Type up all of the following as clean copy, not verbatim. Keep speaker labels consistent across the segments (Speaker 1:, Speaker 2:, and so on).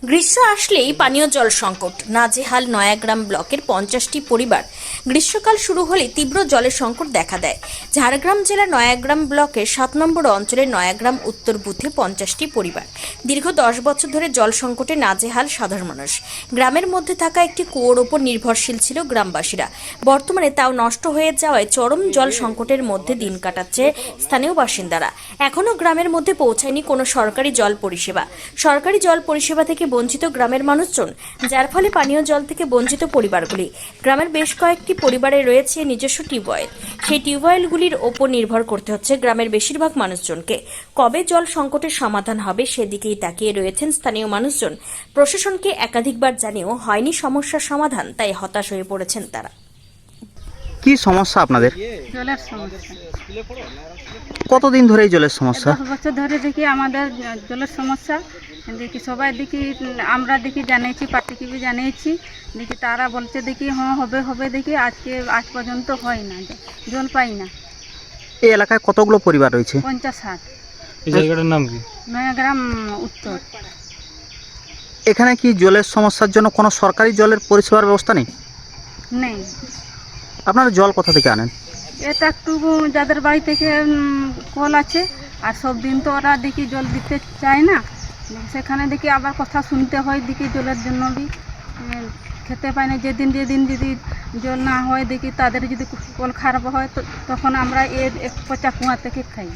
Speaker 1: গ্রীষ্ম আসলেই পানীয় জল সংকট, নাজেহাল নয়াগ্রাম ব্লকের 50টি পরিবার। গ্রীষ্মকাল শুরু হলে তীব্র জলের সংকট দেখা দেয়। ঝাড়গ্রাম জেলার নয়াগ্রাম ব্লকের 7 নম্বর অঞ্চলের নয়াগ্রাম উত্তর বুথে 50টি পরিবার। দীর্ঘ 10 বছর ধরে জল সংকটে নাজেহাল সাধারণ মানুষ। গ্রামের মধ্যে থাকা একটি কুয়োর ওপর নির্ভরশীল ছিল গ্রামবাসীরা। বর্তমানে তাও নষ্ট হয়ে যাওয়ায় চরম জল সংকটের মধ্যে দিন কাটাচ্ছে স্থানীয় বাসিন্দারা। এখনও গ্রামের মধ্যে পৌঁছায়নি কোনো সরকারি জল পরিষেবা। সরকারি জল পরিষেবা থেকে বঞ্চিত গ্রামের মানুষজন, যার ফলে পানীয় জল থেকে বঞ্চিত পরিবারগুলি। গ্রামের বেশ কয়েকটি পরিবারে রয়েছে নিজস্ব টিউবওয়েল। সেই টিউবওয়েলগুলির ওপর নির্ভর করতে হচ্ছে গ্রামের বেশিরভাগ মানুষজনকে। কবে জল সংকটের সমাধান হবে সেদিকেই তাকিয়ে রয়েছেন স্থানীয় মানুষজন। প্রশাসনকে একাধিকবার জানিয়েও হয়নি সমস্যার সমাধান, তাই হতাশ হয়ে পড়েছেন তারা।
Speaker 2: কি সমস্যা আপনাদের?
Speaker 3: জলের সমস্যা।
Speaker 2: কতদিন ধরে এই জলের সমস্যা?
Speaker 3: 10 বছর ধরে দেখি আমাদের জলের সমস্যা। দেখি সবাই দেখি, আমরা দেখি জানিয়েছি, পার্টিকে বি জানিয়েছি, দেখি তারা বলছে দেখি হ্যাঁ হবে হবে, দেখি আজ পর্যন্ত হয় না, জল পাই না।
Speaker 2: এই এলাকায় কতগুলো পরিবার রয়েছে?
Speaker 3: 50-60।
Speaker 4: এই জায়গাটার নাম কি?
Speaker 3: নয়াগ্রাম উত্তর।
Speaker 2: এখানে কি জলের সমস্যার জন্য কোনো সরকারি জলের পরিষেবার ব্যবস্থা নেই?
Speaker 3: নেই।
Speaker 2: আপনারা জল কোথা থেকে আনেন?
Speaker 3: এটা একটু যাদের বাড়ি থেকে কল আছে, আর সব দিন তো ওরা দেখি জল দিতে চায় না, সেখানে দেখি আবার কথা শুনতে হয়, দেখি জলের জন্য বি খেতে পায় না। যেদিন যদি জল না হয়, দেখি তাদের যদি কল খারাপ হয় তো তখন আমরা এক পচা কুয়া থেকে খাই।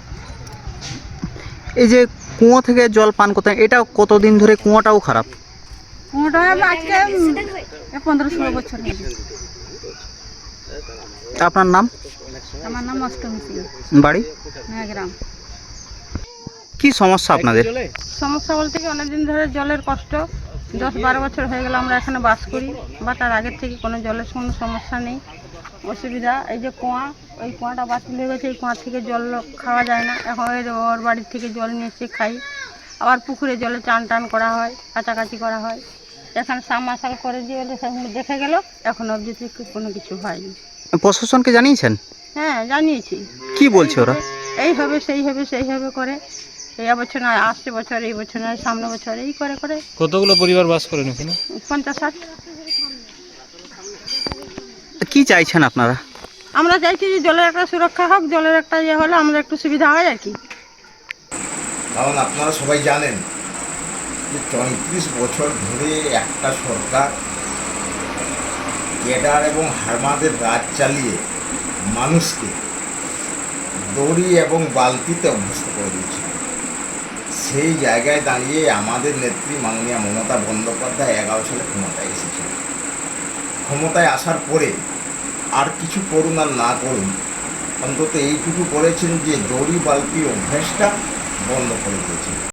Speaker 2: এই যে কুয়ো থেকে জল পান করতে, এটা কতদিন ধরে কুয়োটাও খারাপ?
Speaker 3: কুয়াটা আজকে 15-16 বছর হয়ে গেছে।
Speaker 2: আপনার নাম?
Speaker 3: আমার নাম অষ্টমী সিং,
Speaker 2: বাড়ি?
Speaker 3: নয়াগ্রাম।
Speaker 2: কি সমস্যা আপনাদের?
Speaker 3: সমস্যা বলতে কি, অনেকদিন ধরে জলের কষ্ট, 10-12 বছর হয়ে গেল আমরা এখানে বাস করি, বা তার আগের থেকে কোনো জলের কোনো সমস্যা নেই, অসুবিধা। এই যে কুয়া, ওই কুয়াটা বাতিল হয়ে গেছে, এই কুয়া থেকে জল খাওয়া যায় না। এখন ওর বাড়ির থেকে জল নিয়ে এসে খাই। আবার পুকুরে জলে চান করা হয়, কাচাকাচি করা হয়। এখানে সাবমার্শাল করে দিয়ে সেগুলো দেখে গেল, এখন অবধি থেকে কোনো কিছু হয়নি।
Speaker 2: প্রশাসনকে জানিয়েছেন?
Speaker 3: হ্যাঁ, জানিয়েছি।
Speaker 2: কি বলছে ওরা?
Speaker 3: এই হবে সেই হবে সেই হবে করে, এই বছর নয়, আসছে বছর, এই বছর নয়, সামনে বছর, এই করে করে।
Speaker 4: কতগুলো পরিবার বাস করেন এখানে?
Speaker 3: 50-60।
Speaker 2: কি চাইছেন আপনারা?
Speaker 3: আমরা চাইছি যে জলের একটা সুরক্ষা হোক, জলের একটা ইয়ে হলে আমরা একটু সুবিধা হয় আর কি।
Speaker 5: কারণ আপনারা সবাই জানেন যে 34 বছর ধরে একটা সরকার ক্যাডার এবং হারমাদের রাজ চালিয়ে মানুষকে দড়ি এবং বালতিতে অভ্যস্ত করে দিয়েছে। সেই জায়গায় দাঁড়িয়ে আমাদের নেত্রী মাননীয়া মমতা বন্দ্যোপাধ্যায় 11 সালে ক্ষমতায় এসেছেন। ক্ষমতায় আসার পরে আর কিছু করুন আর না করুন, অন্তত এইটুকু করেছেন যে দড়ি বালতির অভ্যাসটা বন্ধ করে দিয়েছেন।